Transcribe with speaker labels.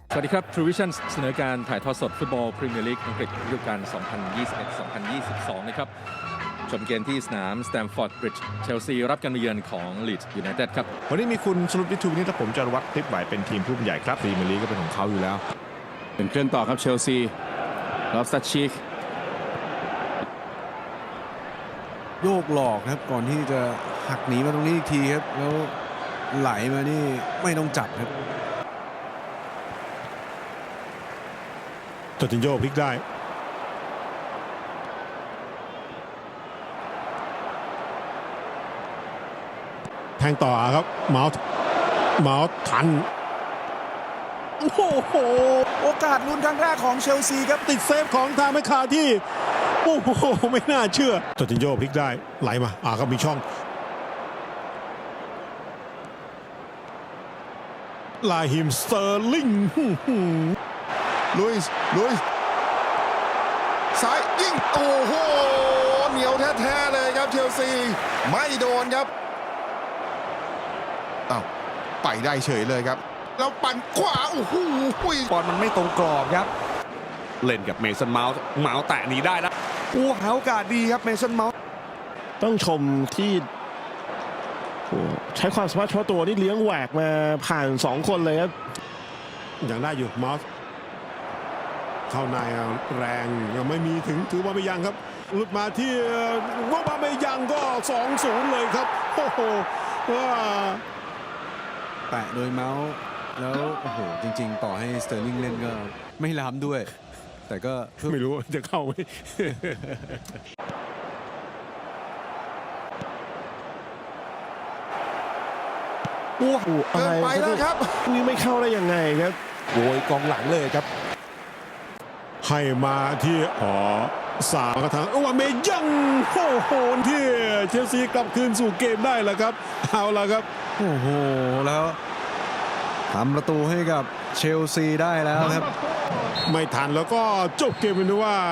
Speaker 1: สวัสดีครับ True Vision เสนอการถ่ายทอดสดฟุตบอลพรีเมียร์ลีกอังกฤษฤดูกาล 2021-2022 นะครับชมเกมที่สนาม Stamford Bridge เชลซีรับการมาเยือนของ Leeds United ครับ
Speaker 2: วันนี้มีคุณสรุปวิทูนิตและผมจารวัตรคลิปไหวเป็นทีมผู้บรรยายครับพรีเมียร์ลีกก็เป็นของเขาอยู่แล้ว
Speaker 1: เป็นเคลื่อนต่อครับเชลซีลอฟสตัดชีก
Speaker 3: โยกหลอกครับก่อนที่จะหักหนีมาตรงนี้อีกทีครับแล้วไหลมานี่ไม่ต้องจับครับ
Speaker 2: จอร์จินโญ่พลิกได้แทงต่อครับเมาส์ทันโอ้โห
Speaker 3: โอกาสลุ้นครั้งแรกของเชลซีครับ
Speaker 2: ติดเซฟของทางแมคคาที่โอ้โหไม่น่าเชื่อจอร์จินโญ่พลิกได้ไหลมาก็มีช่องลาฮิมสเตอร์ลิง
Speaker 4: ลุยส์ซ้ายยิงโอ้โหเหนียวแท้ๆเลยครับเชลซีไม่โดนครับอ้าวไปได้เฉยเลยครับแล้วปั่นขวาโอ้โห
Speaker 3: บอลมันไม่ตรงกรอบครับ
Speaker 5: เล่นกับเมสันเมาส์แตะหนีได้แล้ว
Speaker 4: หาโอกาสดีครับเมสันเมาส์
Speaker 6: ต้องชมที่ใช้ความสามารถเฉพาะตัวนี่เลี้ยงแหวกมาผ่าน2คนเลยครับ
Speaker 2: อย่างได้อยู่มอสเข้าในแรงยังไม่มีถึงถือว่าไม่ยังครับหลุดมาที่ว่าไม่ยังก็ 2-0 เลยครับโอ้โหว่า
Speaker 3: แปะโดยเมาส์แล้วโอ้โหจริงๆต่อให้สเตอร์ลิงเล่นก็ไม่ล้ำด้วยแต่ก็
Speaker 2: ไม่รู้จะเข้าไหม
Speaker 6: โอ้โหอะไร
Speaker 4: ไปแล้วครับ
Speaker 6: นี่ไม่เข้าได้ยังไงครับ
Speaker 4: โวยกองหลังเลยครับ
Speaker 2: ให้มาที่สามกระถางว่าเมยังโอ้โหที่เชลซีกลับคืนสู่เกมได้แล้วครับเอาละครับ
Speaker 3: โอ้โหแล้วทำประตูให้กับเชลซีได้แล้วครับ
Speaker 2: ไม่ทันแล้วก็จบเกมเป็นว่า